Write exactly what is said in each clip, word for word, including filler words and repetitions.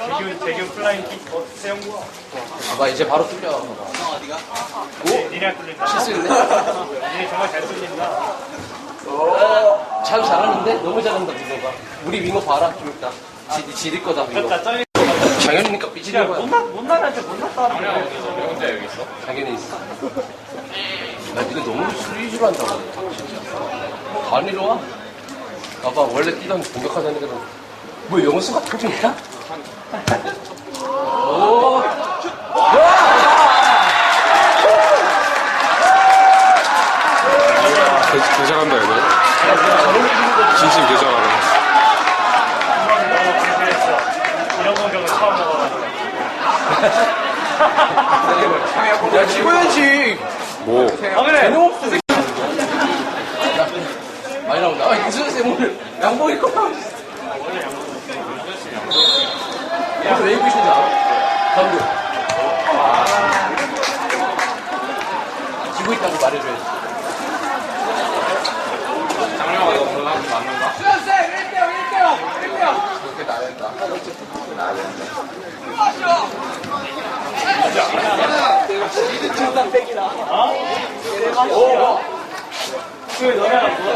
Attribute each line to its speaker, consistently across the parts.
Speaker 1: 대균, 대균 플라잉 킥. 어, 세영구.
Speaker 2: 봐봐, 이제 바로 뚫려. 봐봐.
Speaker 1: 어디가? 오? 니네가 뚫린다.
Speaker 2: 실수했네.
Speaker 1: 니네 정말 잘 뚫린다.
Speaker 2: 참 잘하는데? 너무 잘한다, 윙어가. 우리 윙어 봐라, 좀 이따. 지, 지릴 거다, 윙어.
Speaker 1: 그렇다, 짱이.
Speaker 2: 장현이니까 삐지는 거야.
Speaker 1: 못나, 못나한테 못났다.
Speaker 3: 왜 혼자 여기 있어?
Speaker 2: 장현이 있어. 야, 니네 너무 수리주로 한다고. 진짜. 안 이리 와? 봐봐, 원래 뛰던 공격하던 애들은. 뭐, 영수가 터진다? 오!
Speaker 3: 개장한다 얘들. 진심 개장하네.
Speaker 1: 너무 불쾌했어. 이런 공격은 처음 먹어가지고.
Speaker 2: 야, 찍어야지!
Speaker 3: 뭐?
Speaker 1: 아, 그래!
Speaker 2: 개념 없어, 새끼. 야, 많이 나온다. 아, 무슨 쌤을 양복 입고 나오지? 야, 왜 입고 있는지 알아? 감독. 지고 있다고 말해줘야지.
Speaker 3: 장룡아 이거 올라가면 맞는가? 그렇게 나야 된다. 나야 된다.
Speaker 1: 그 너네랑 뭐?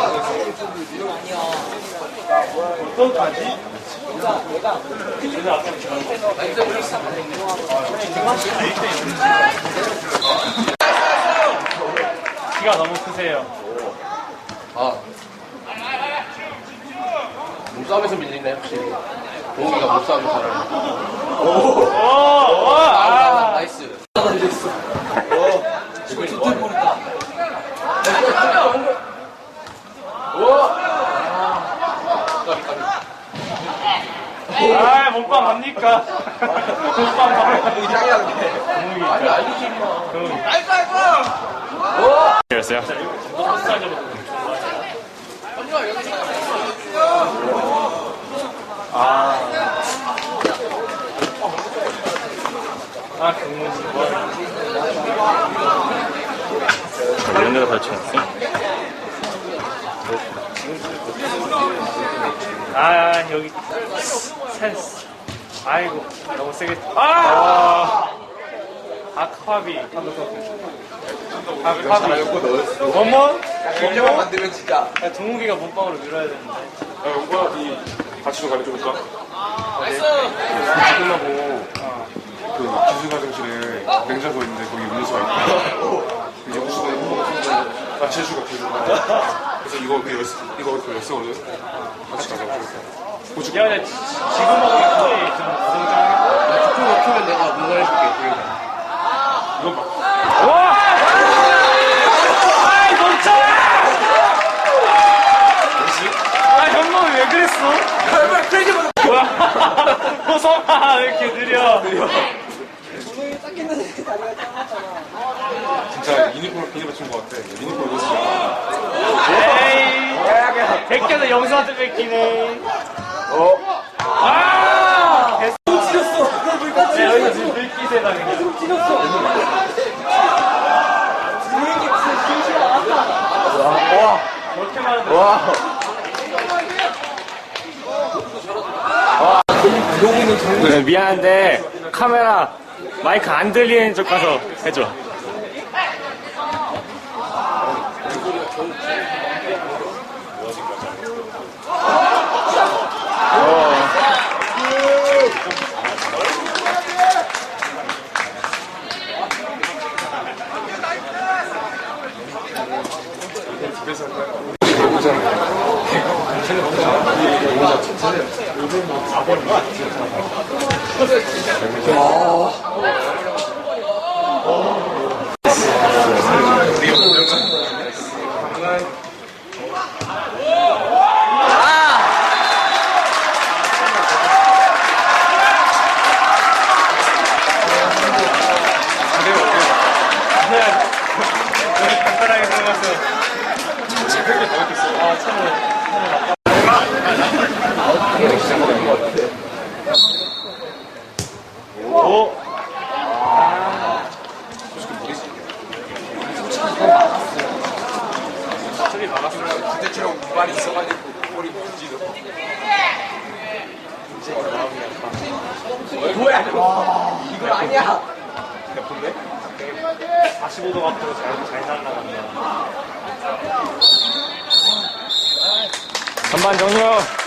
Speaker 1: 어떡하지? 내가 내가 아까 키가 너무 크세요.
Speaker 2: 아. 몸싸움에서 밀리네, 확실히. 동욱이가 몸싸움을 잘하네.
Speaker 1: 오, 오,
Speaker 2: 아,
Speaker 1: 아,
Speaker 2: 나이스. 어, 지금 두들 보냈다. 오! 까비, 까비.
Speaker 1: 아, 몸빵 갑니까? 몸빵 갑니까?
Speaker 2: 짱이라는데.
Speaker 1: 동욱이.
Speaker 2: 아니, 아니지, 임마.
Speaker 1: 동욱이.
Speaker 2: 아이고, 아이고!
Speaker 1: 이랬어요? 아. 아, 경문씨. 이런 데다 설치했어? 아, 여기. 센스. 아이고, 너무 세게. 아! 아카비. 아카비. 원몬?
Speaker 2: 경제만 만들면 진짜.
Speaker 1: 야, 동욱이가 몸빵으로 밀어야 되는데.
Speaker 3: 야 용구야 이 같이 가르쳐볼까?
Speaker 2: 나이스!
Speaker 3: 끝나고 그 기술 가정실에 냉장고 있는데 거기 음료수가 있고 이제 음료수가 있고 아 제주가 제주가 그래서 이거 그 열쇠 이거 그 열쇠거든 같이 가자고 고추
Speaker 1: 야, 근데 지- 지금 먹으면 거의 좀 부정적이고.
Speaker 2: 야, 조금 먹히면 내가 응원해줄게,
Speaker 3: 이거 막
Speaker 1: 와! 아이, 멈춰! 아, 현몽이 왜 그랬어? 뭐야? 호성아, 왜 이렇게 느려?
Speaker 3: 진짜 유니폼 비니 받친 것 같아 유니폼 입었어
Speaker 1: 에이, 백개도 영수한테 뺏기네. 어? 아! 개똥 찢었어. 네, 여기가 지금 물기세다, 그냥. 똥 찢었어. 와, 와. 그렇게 많은데. 와. 네, 미안한데, 카메라, 마이크 안 들리는 쪽 가서 해줘. 간단하게 들어갔어요. 아, 처음에. 오! 저기 막았어요.
Speaker 2: 그때처럼 무발이 있어가지고, 머리 못 찌르고.
Speaker 1: 이제 마음이 아파.
Speaker 2: 뭐야 이거 아니야.
Speaker 1: 예쁜데? 사십오 도 각도로 잘, 잘 날아간다. 전반 종료.